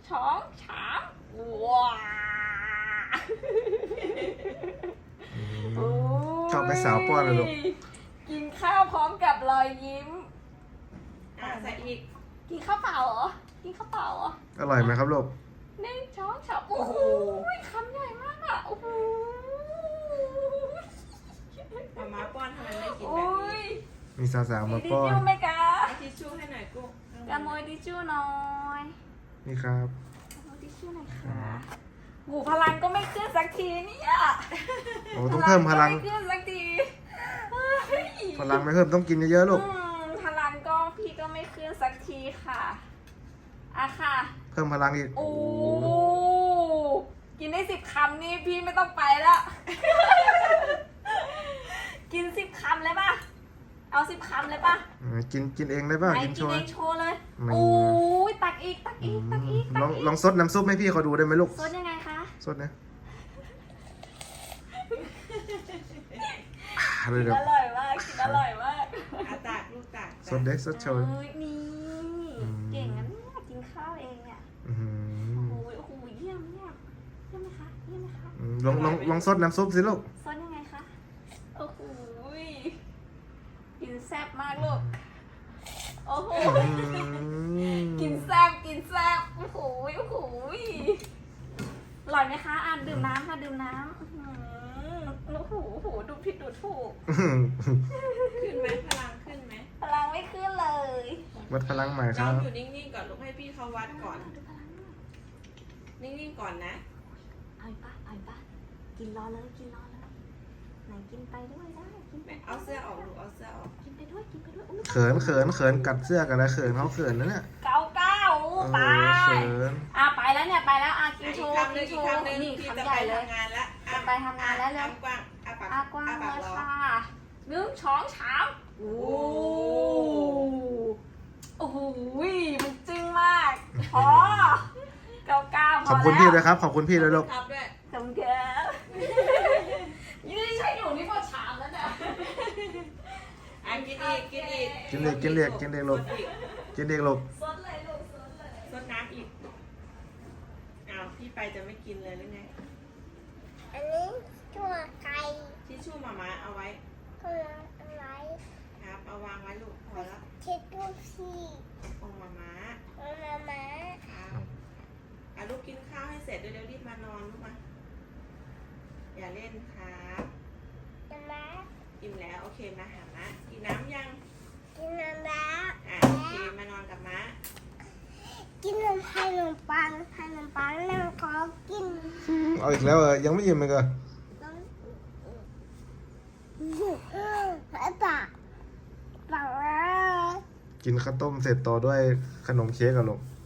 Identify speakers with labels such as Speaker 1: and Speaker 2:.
Speaker 1: ช้องฉามว้า
Speaker 2: ชอบแม่สาวป้อนเลยลูก
Speaker 1: กินข้าวพร้อมกับรอยยิ้ม
Speaker 3: ใส่อีก
Speaker 1: กินข้าวเปล่าเหรอ กินข้าวเปล่าเหรอ
Speaker 2: อร่อยไหมครับลูก
Speaker 1: 1 ช้อนฉามโอ้โหคำใหญ่มากอ่ะโอ้โห
Speaker 3: มาป้อนทำไมไม่กิน
Speaker 1: โอ้
Speaker 3: แบบนี้
Speaker 1: ย
Speaker 2: มีสาวๆ
Speaker 1: มี
Speaker 2: มา
Speaker 1: ทิช
Speaker 2: ป้อน
Speaker 1: ชู่ไหมคะ
Speaker 3: เอาทิชชู่ให้หน่อยกุ้ง
Speaker 1: กระโมยทิชชู่หน่อย
Speaker 2: นี่ครับ
Speaker 1: กระโมยทิชชู่หน่อยค่ะหูพลังก็ไม่ขึ้นสักทีเนี่ย
Speaker 2: โอ้ต้องเพิ่มพลัง
Speaker 1: ก็ไม่ขึ้นสักทีเฮ้ย
Speaker 2: พลังไม่เพิ่มต้องกินเยอะๆลูก
Speaker 1: พลังก็พี่ก็ไม่ขึ้นสักทีค่ะอะค่ะ
Speaker 2: เพิ่มพลังอีก
Speaker 1: โอ้กินได้10 คำนี่พี่ไม่ต้องไปแล้ว กิน10 คำเลยป่ะ เอา10 คำเลยป่ะ
Speaker 2: กินเองได้ป่ะ
Speaker 1: ไป
Speaker 2: กินโช
Speaker 1: กิน
Speaker 2: ว์
Speaker 1: เองโชว์เลย
Speaker 2: ไม่
Speaker 1: โอ้ยตักอีกตักอีกตักอีกตัก
Speaker 2: ลอง
Speaker 1: อีก
Speaker 2: ลองซดน้ำซุปให้พี่เขาดูได้ไหมลูก
Speaker 1: ซดยังไงคะ
Speaker 2: ซดนะเล
Speaker 1: กิ
Speaker 2: ย
Speaker 1: น
Speaker 2: เดี๋ยว
Speaker 1: อร่อยมากกินอร่อยมาก
Speaker 3: ตักลูกตัก
Speaker 2: ซดเด็กซดโชว์
Speaker 1: เอ้ยนี่เก่งนะเนี่ยกินข้าวเองเนี่ย
Speaker 2: อื้อหือ
Speaker 1: โอ้ยโอ้โหเยี่ยมเยี่ยมเยี่ยมไหมคะเยี่ยมไหมคะ
Speaker 2: ลองซดน้ำซุปสิลูก
Speaker 1: ซดยังไงคะโอ้โหกินแซ่บมากลูกโอ้โห กินแซ่บกินแซ่บโอ้โหโอ้โหอร่อยไหมคะอ่านดื่มน้ำค่ะดื่มน้ำโอ้โหโอ้โหดูผิดดูถูก
Speaker 3: ขึ้นไหมพลังขึ้นไหม
Speaker 1: พลังไม่ขึ้นเลย
Speaker 2: วัดพลังใหม่ค
Speaker 3: เรา
Speaker 2: รับ
Speaker 3: อยู่นิ่งๆก่อนลูกให้พี่เขาวัดก่อน
Speaker 1: ดูพลังหน่อย
Speaker 3: นิ่งๆก่อนนะ
Speaker 1: เอาอีกปะเอาอีกปะกินรอเลยกินรอเลยไหนกินไปด้วยได้กินไป
Speaker 3: เอาเสื้อออกลูกเอาเสื้อออก
Speaker 1: กินไปด้วยกินไปด้วยอุ๊ย
Speaker 2: เขินกัดเสื้อกันแล้วเขินเขาเขินนะเนี่ย
Speaker 1: เก้าไป
Speaker 2: เขิน
Speaker 1: ไปแล้วเนี่ยไปแล้วกิน
Speaker 3: อี
Speaker 1: โช
Speaker 3: ก
Speaker 1: ว์
Speaker 3: คำห
Speaker 1: กิ
Speaker 3: นึ่
Speaker 1: น
Speaker 3: ง
Speaker 1: โช
Speaker 3: อีก
Speaker 1: ว์
Speaker 3: คำหนึ่ง
Speaker 1: นี่
Speaker 3: พี่
Speaker 1: คำ
Speaker 3: จะ
Speaker 1: ให
Speaker 3: ไป
Speaker 1: ญ่เลย
Speaker 3: ทำงานแล้ว
Speaker 1: จะไปทำงานแล้วเร็ว
Speaker 3: กว้างอ้าปาก
Speaker 1: กว้าง
Speaker 3: อ้า
Speaker 1: เล
Speaker 3: ปาก
Speaker 1: ย
Speaker 3: รอ
Speaker 1: ค่ะ1 ช้อนชามโอ้โอ้โหมันจึ้งมากพอเก้าพอแล้ว
Speaker 2: ขอบคุณพี่ด้วยครับ ขอบคุณพี่ด้วยลูก
Speaker 3: ครับด้วย
Speaker 1: ขอบคุณครับยืนใช้หนูนี่พอชามแล้วเนี่ย
Speaker 3: กินอีกกินอีก
Speaker 2: กินเด็กลูกกินเด็กลูก
Speaker 1: ซดเลยลูกซดเลย
Speaker 3: ซดน้ำอีกอ้าวพี่ไปจะไม่กินเลยหรือไง
Speaker 4: อันนี้ตัวไก่
Speaker 3: ทิชชู่หมาเอาไว้
Speaker 4: ตัวอะไร
Speaker 3: ครับ เอาวางไว้ลูกพอแล้ว
Speaker 4: เช็ดตัวพี่
Speaker 3: องหมา
Speaker 4: มามา
Speaker 3: ครับลูกกินข้าวให้เสร็จเดี๋ยวรีบมานอนลูกมาอย่าเล่นครับ
Speaker 4: จะมา
Speaker 3: อิ่มแล้วโอเคมาหาม้ากินน้ำยัง
Speaker 4: กินน้ำแล้ว
Speaker 3: โอเคมานอนกับม้า
Speaker 4: กินนมขนมปังแล้วก็กิน
Speaker 2: เอาอีกแล้วยังไม่อิ่มเลยก็
Speaker 4: ปาก
Speaker 2: กินข้าวต้มเสร็จต่อด้วยขนมเค้กอะลูก
Speaker 4: ป